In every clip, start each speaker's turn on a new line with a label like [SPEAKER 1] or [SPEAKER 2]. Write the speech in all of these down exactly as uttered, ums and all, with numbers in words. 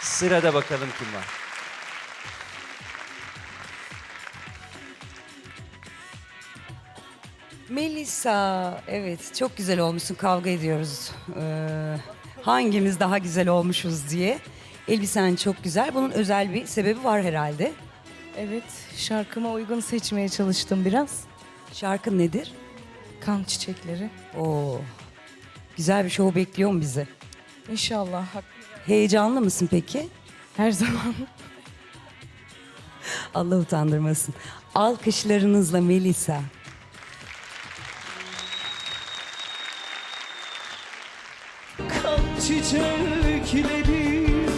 [SPEAKER 1] Sırada bakalım kim var.
[SPEAKER 2] Melisa, evet çok güzel olmuşsun. Kavga ediyoruz. Ee, hangimiz daha güzel olmuşuz diye. Elbisen çok güzel. Bunun özel bir sebebi var herhalde.
[SPEAKER 3] Evet, şarkıma uygun seçmeye çalıştım biraz.
[SPEAKER 2] Şarkın nedir?
[SPEAKER 3] Kan çiçekleri.
[SPEAKER 2] Oo, güzel bir show bekliyor mu bizi?
[SPEAKER 3] İnşallah hak-
[SPEAKER 2] Heyecanlı mısın peki?
[SPEAKER 3] her zaman.
[SPEAKER 2] Allah utandırmasın. Alkışlarınızla Melisa.
[SPEAKER 4] Kan çiçekleri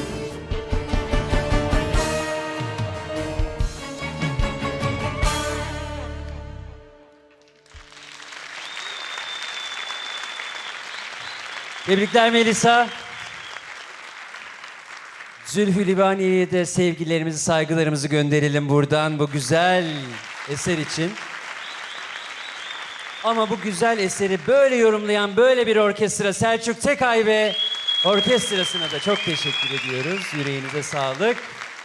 [SPEAKER 1] Tebrikler Melisa. Zülfü Livaneli'ye de sevgilerimizi, saygılarımızı gönderelim buradan bu güzel eser için. Ama bu güzel eseri böyle yorumlayan böyle bir orkestra Selçuk Tekay ve orkestrasına da çok teşekkür ediyoruz. Yüreğinize sağlık.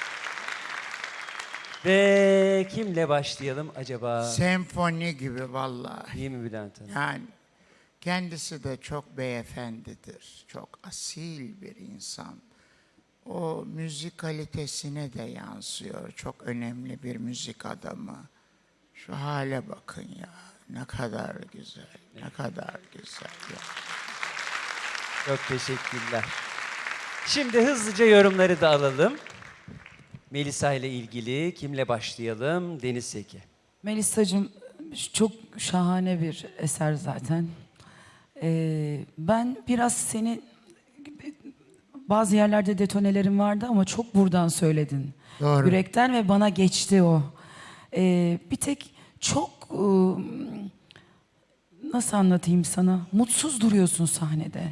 [SPEAKER 1] Ve kimle başlayalım acaba?
[SPEAKER 5] Senfoni gibi vallahi.
[SPEAKER 1] Değil mi Bülent Hanım?
[SPEAKER 5] Yani kendisi de çok beyefendidir. Çok asil bir insan. O müzik kalitesine de yansıyor. Çok önemli bir müzik adamı. Şu hale bakın ya. Ne kadar güzel. Ne kadar güzel ya.
[SPEAKER 1] Çok teşekkürler. Şimdi hızlıca yorumları da alalım. Melisa ile ilgili kimle başlayalım? Deniz Seki.
[SPEAKER 6] Melisa'cığım çok şahane bir eser zaten. Ee, ben biraz seni bazı yerlerde detonelerin vardı ama çok buradan söyledin.
[SPEAKER 5] Doğru.
[SPEAKER 6] Yürekten ve bana geçti o. Ee, bir tek çok ıı, nasıl anlatayım sana? Mutsuz duruyorsun sahnede.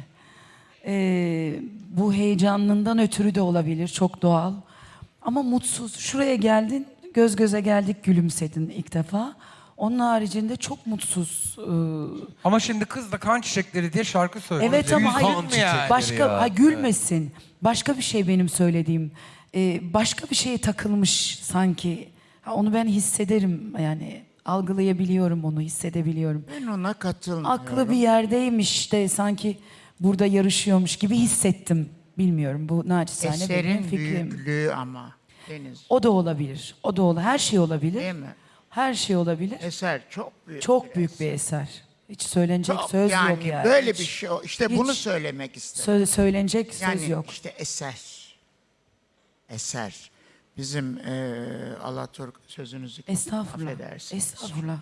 [SPEAKER 6] Ee, bu heyecanından ötürü de olabilir, çok doğal. Ama mutsuz. Şuraya geldin, göz göze geldik, gülümsedin ilk defa. Onun haricinde çok mutsuz. Ee,
[SPEAKER 7] Ama şimdi kız da kan çiçekleri diye şarkı söylüyor.
[SPEAKER 6] evet ama hayır,
[SPEAKER 7] Kan çiçekleri
[SPEAKER 6] başka
[SPEAKER 7] ya.
[SPEAKER 6] ha, gülmesin. Başka bir şey benim söylediğim. Ee, başka bir şeye takılmış sanki. Ha, onu ben hissederim yani. Algılayabiliyorum onu, hissedebiliyorum.
[SPEAKER 5] Ben ona katılmıyorum.
[SPEAKER 6] Aklı bir yerdeymiş de sanki burada yarışıyormuş gibi hissettim. Bilmiyorum, bu naçizane benim
[SPEAKER 5] Eserin
[SPEAKER 6] fikrim.
[SPEAKER 5] büyüklüğü ama. Deniz.
[SPEAKER 6] O da olabilir. O da olabilir. Her şey olabilir.
[SPEAKER 5] Değil mi?
[SPEAKER 6] Her şey olabilir.
[SPEAKER 5] Eser çok büyük.
[SPEAKER 6] Çok büyük bir eser. Hiç söylenecek
[SPEAKER 5] Çok,
[SPEAKER 6] söz
[SPEAKER 5] yani
[SPEAKER 6] yok yani.
[SPEAKER 5] böyle
[SPEAKER 6] Hiç-
[SPEAKER 5] bir şey. İşte
[SPEAKER 6] hiç
[SPEAKER 5] bunu söylemek istedim.
[SPEAKER 6] sö- söylenecek
[SPEAKER 5] Yani
[SPEAKER 6] söz yok.
[SPEAKER 5] işte eser. Eser. Bizim eee Alaturk sözünüzü
[SPEAKER 6] Estağfurullah.
[SPEAKER 5] affedersiniz.
[SPEAKER 6] Estağfurullah.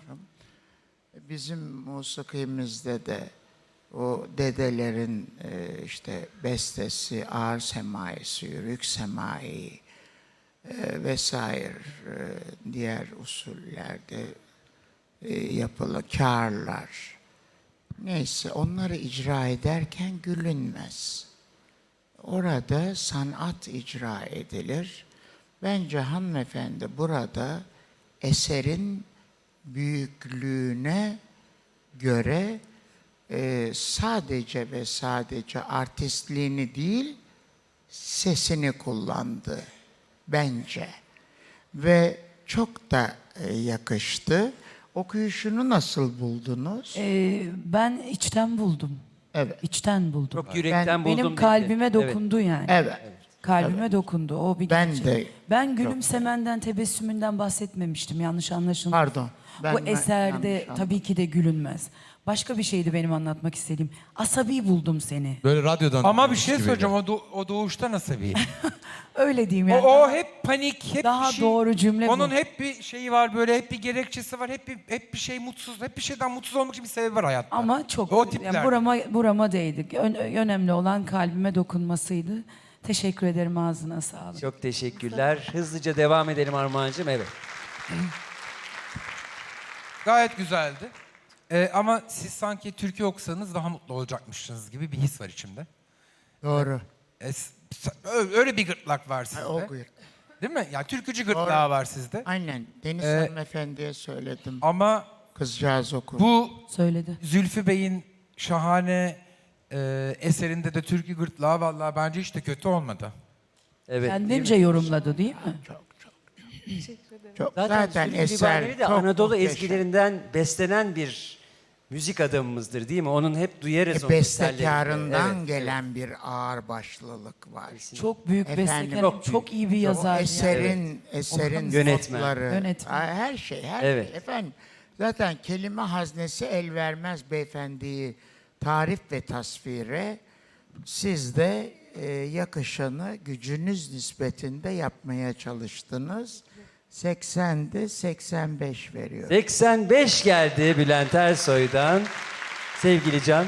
[SPEAKER 5] Bizim musikimizde de o dedelerin eee, işte bestesi, ağır semaisi, yürük semai eee, vesaire eee, diğer usullerde eee, yapılan kârlar. Neyse onları icra ederken gülünmez. Orada sanat icra edilir. Bence hanımefendi burada eserin büyüklüğüne göre e, sadece ve sadece artistliğini değil, sesini kullandı bence. Ve çok da e, yakıştı. Okuyuşunu nasıl buldunuz?
[SPEAKER 6] Ee, ben içten buldum.
[SPEAKER 5] Evet.
[SPEAKER 6] İçten buldum.
[SPEAKER 1] Çok yürekten buldum.
[SPEAKER 6] Benim
[SPEAKER 1] dedi.
[SPEAKER 6] kalbime
[SPEAKER 1] Evet.
[SPEAKER 6] dokundu yani.
[SPEAKER 5] Evet.
[SPEAKER 6] Kalbime dokundu. O bir
[SPEAKER 5] Ben
[SPEAKER 6] gerçek.
[SPEAKER 5] de
[SPEAKER 6] Ben gülümsemenden, tebessümünden bahsetmemiştim. Yanlış anlaşılmasın.
[SPEAKER 5] Pardon, ben-
[SPEAKER 6] Bu
[SPEAKER 5] ben
[SPEAKER 6] eserde
[SPEAKER 5] yanlış anladım.
[SPEAKER 6] tabii ki de gülünmez. Başka bir şeydi benim anlatmak istediğim. Asabi buldum seni.
[SPEAKER 7] Böyle radyodan. Ama bir şey
[SPEAKER 6] gibiydi.
[SPEAKER 7] söyleyeceğim. O, do- o doğuştan asabi.
[SPEAKER 6] Öyle diyeyim
[SPEAKER 7] o,
[SPEAKER 6] yani.
[SPEAKER 7] o hep panik, hep
[SPEAKER 6] Daha
[SPEAKER 7] bir şey.
[SPEAKER 6] doğru cümle bu.
[SPEAKER 7] Onun hep bir şeyi var böyle, hep bir gerekçesi var. Hep bir, hep bir şey mutsuz, hep bir şeyden mutsuz olmak için bir sebebi var hayatta.
[SPEAKER 6] Ama çok
[SPEAKER 7] O tipler.
[SPEAKER 6] yani burama burama değdi. Ön- önemli olan kalbime dokunmasıydı. Teşekkür ederim, ağzına sağlık.
[SPEAKER 1] Çok teşekkürler. Hızlıca devam edelim Armağan'cığım. Evet.
[SPEAKER 7] Gayet güzeldi. Ee, ama siz sanki türkü okusanız daha mutlu olacakmışsınız gibi bir his var içimde.
[SPEAKER 5] Doğru.
[SPEAKER 7] Ee, s- s- ö- öyle bir gırtlak var sizde.
[SPEAKER 5] O buyur.
[SPEAKER 7] Değil mi? Yani türkücü gırtlağı var sizde.
[SPEAKER 5] Aynen. Deniz
[SPEAKER 7] Ee,
[SPEAKER 5] hanımefendiye söyledim.
[SPEAKER 7] Ama
[SPEAKER 5] Kızcağız okur.
[SPEAKER 7] bu
[SPEAKER 6] Söyledi.
[SPEAKER 7] Zülfü Bey'in şahane e, eserinde de türkü gırtlağı vallahi bence hiç de kötü olmadı.
[SPEAKER 1] Evet.
[SPEAKER 6] Kendince yorumladı değil mi?
[SPEAKER 5] Çok çok. Çok
[SPEAKER 1] Zaten,
[SPEAKER 5] zaten
[SPEAKER 1] Zülfü
[SPEAKER 5] eser
[SPEAKER 1] Livaneli de
[SPEAKER 5] çok
[SPEAKER 1] Anadolu
[SPEAKER 5] muhteşem.
[SPEAKER 1] ezgilerinden beslenen bir müzik adamımızdır değil mi? Onun hep duyarız
[SPEAKER 5] E,
[SPEAKER 1] onun eserlerinde.
[SPEAKER 5] bestekarından
[SPEAKER 1] Evet,
[SPEAKER 5] gelen bir ağırbaşlılık var.
[SPEAKER 6] Çok büyük
[SPEAKER 5] Efendim,
[SPEAKER 6] bestekar,
[SPEAKER 1] çok
[SPEAKER 6] çok,
[SPEAKER 1] büyük.
[SPEAKER 6] iyi bir
[SPEAKER 5] O
[SPEAKER 6] yazar. yani.
[SPEAKER 5] eserin, eserin
[SPEAKER 1] Yönetmen.
[SPEAKER 5] notları,
[SPEAKER 6] Yönetmen.
[SPEAKER 5] her şey, her
[SPEAKER 1] Evet.
[SPEAKER 5] şey. Efendim, zaten kelime haznesi el vermez beyefendiyi tarif ve tasvire. Siz de e, yakışanı gücünüz nispetinde yapmaya çalıştınız. seksende seksen beş veriyor.
[SPEAKER 1] seksen beş geldi Bülent Ersoy'dan. Sevgili Can.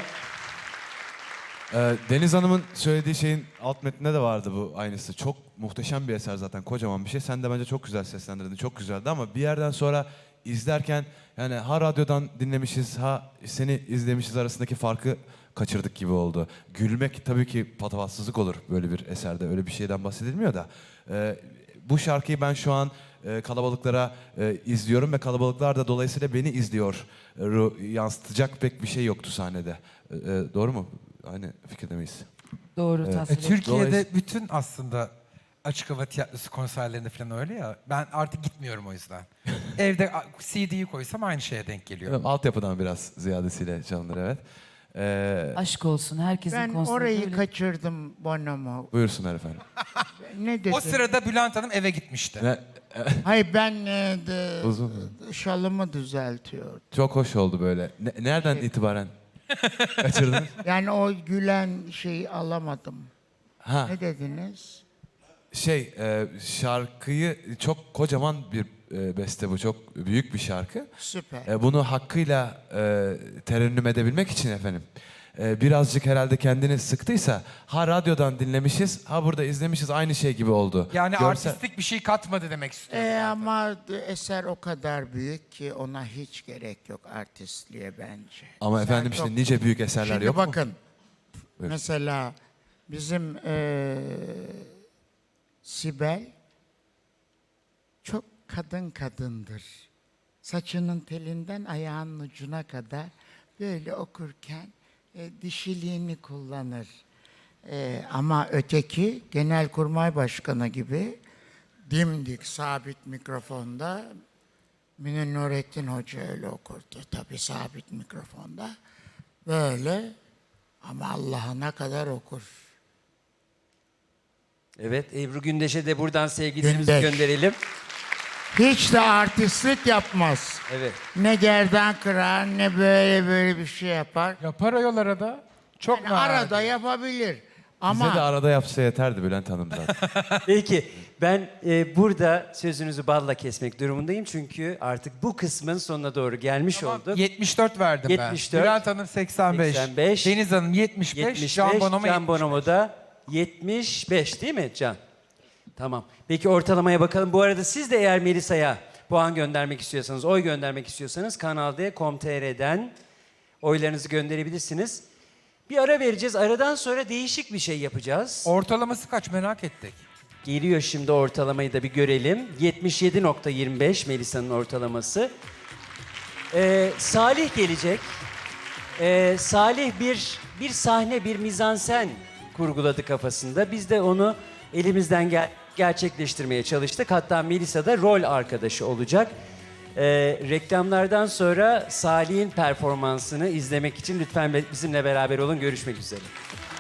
[SPEAKER 8] Ee, Deniz Hanım'ın söylediği şeyin alt metninde de vardı bu aynısı. Çok muhteşem bir eser zaten, kocaman bir şey. Sen de bence çok güzel seslendirdin, çok güzeldi ama bir yerden sonra izlerken yani ha radyodan dinlemişiz, ha seni izlemişiz arasındaki farkı kaçırdık gibi oldu. Gülmek tabii ki patavatsızlık olur böyle bir eserde, öyle bir şeyden bahsedilmiyor da. Ee, bu şarkıyı ben şu an e, kalabalıklara e, izliyorum ve kalabalıklar da dolayısıyla beni izliyor. E, ru- yansıtacak pek bir şey yoktu sahnede. E, e, doğru mu? Aynı fikirde miyiz?
[SPEAKER 6] Doğru
[SPEAKER 7] E,
[SPEAKER 6] tasvir et.
[SPEAKER 7] Türkiye'de
[SPEAKER 8] Dolayısıyla-
[SPEAKER 7] bütün aslında açık hava tiyatrosu konserlerinde falan öyle ya. Ben artık gitmiyorum o yüzden. Evde a- C D'yi koysam aynı şeye denk geliyor.
[SPEAKER 8] Evet, altyapıdan biraz ziyadesiyle çalınır, evet. Ee,
[SPEAKER 6] Aşk olsun herkesin
[SPEAKER 5] Ben
[SPEAKER 6] konseri
[SPEAKER 5] orayı
[SPEAKER 6] böyle.
[SPEAKER 5] kaçırdım Bonomo.
[SPEAKER 8] buyursunlar efendim.
[SPEAKER 5] Ne dedim?
[SPEAKER 7] O sırada Bülent Hanım eve gitmişti.
[SPEAKER 8] Ne,
[SPEAKER 5] Hayır ben e, de,
[SPEAKER 8] Uzun.
[SPEAKER 5] şalımı düzeltiyordum.
[SPEAKER 8] çok hoş oldu böyle. Ne- nereden itibaren kaçırdınız?
[SPEAKER 5] Yani o gülen şeyi alamadım.
[SPEAKER 8] Ha,
[SPEAKER 5] Ne dediniz?
[SPEAKER 8] şey e, şarkıyı çok kocaman bir e, beste bu, çok büyük bir şarkı.
[SPEAKER 5] Süper.
[SPEAKER 8] E, bunu hakkıyla e, terennüm edebilmek için efendim. e, birazcık herhalde kendini sıktıysa ha radyodan dinlemişiz, ha burada izlemişiz, aynı şey gibi oldu.
[SPEAKER 7] Yani
[SPEAKER 8] Görsel-
[SPEAKER 7] artistik bir şey katmadı demek istiyorum.
[SPEAKER 5] E, ama eser o kadar büyük ki ona hiç gerek yok artistliğe bence.
[SPEAKER 8] Ama
[SPEAKER 5] Sen
[SPEAKER 8] efendim
[SPEAKER 5] çok-
[SPEAKER 8] işte nice büyük eserler
[SPEAKER 5] Şimdi
[SPEAKER 8] yok mu?
[SPEAKER 5] bakın.
[SPEAKER 8] Buyurun.
[SPEAKER 5] Mesela bizim e, Sibel çok kadın kadındır. Saçının telinden ayağının ucuna kadar böyle okurken e, dişiliğini kullanır. E, ama öteki Genelkurmay Başkanı gibi dimdik sabit mikrofonda Münir Nurettin Hoca öyle okurdu. Tabii sabit mikrofonda. Böyle ama Allah'ına kadar okur.
[SPEAKER 1] Evet, Ebru Gündeş'e de buradan sevgilerimizi
[SPEAKER 5] Gündeş.
[SPEAKER 1] gönderelim.
[SPEAKER 5] Hiç de artistlik yapmaz.
[SPEAKER 1] Evet.
[SPEAKER 5] Ne gerdan kırar ne böyle böyle bir şey yapar.
[SPEAKER 7] Yapar ayol arada. Çok
[SPEAKER 5] Yani
[SPEAKER 7] nadir.
[SPEAKER 5] arada yapabilir. Ama
[SPEAKER 8] Bize de arada yapsa yeterdi Bülent Hanım zaten.
[SPEAKER 1] Peki, ben e, burada sözünüzü balla kesmek durumundayım. Çünkü artık bu kısmın sonuna doğru gelmiş olduk.
[SPEAKER 7] yetmiş dört verdim
[SPEAKER 1] yetmiş
[SPEAKER 7] ben.
[SPEAKER 1] dört.
[SPEAKER 7] Bülent Hanım seksen beş.
[SPEAKER 1] seksen beş.
[SPEAKER 7] Deniz Hanım yetmiş beş.
[SPEAKER 1] yetmiş beş,
[SPEAKER 7] Can Bonomo
[SPEAKER 1] Can
[SPEAKER 7] yetmiş beş.
[SPEAKER 1] Bonomo da yetmiş beş değil mi Can? Tamam. Peki ortalamaya bakalım. Bu arada siz de eğer Melisa'ya puan göndermek istiyorsanız, oy göndermek istiyorsanız Kanal D nokta com nokta t r'den oylarınızı gönderebilirsiniz. Bir ara vereceğiz. Aradan sonra değişik bir şey yapacağız.
[SPEAKER 7] Ortalaması kaç merak ettik.
[SPEAKER 1] Geliyor şimdi, ortalamayı da bir görelim. yetmiş yedi nokta yirmi beş Melisa'nın ortalaması. Ee, Salih gelecek. Ee, Salih bir bir sahne, bir mizansen kurguladı kafasında. Biz de onu elimizden gel gerçekleştirmeye çalıştık. Hatta Melisa da rol arkadaşı olacak. Ee, reklamlardan sonra Salih'in performansını izlemek için lütfen bizimle beraber olun. Görüşmek üzere.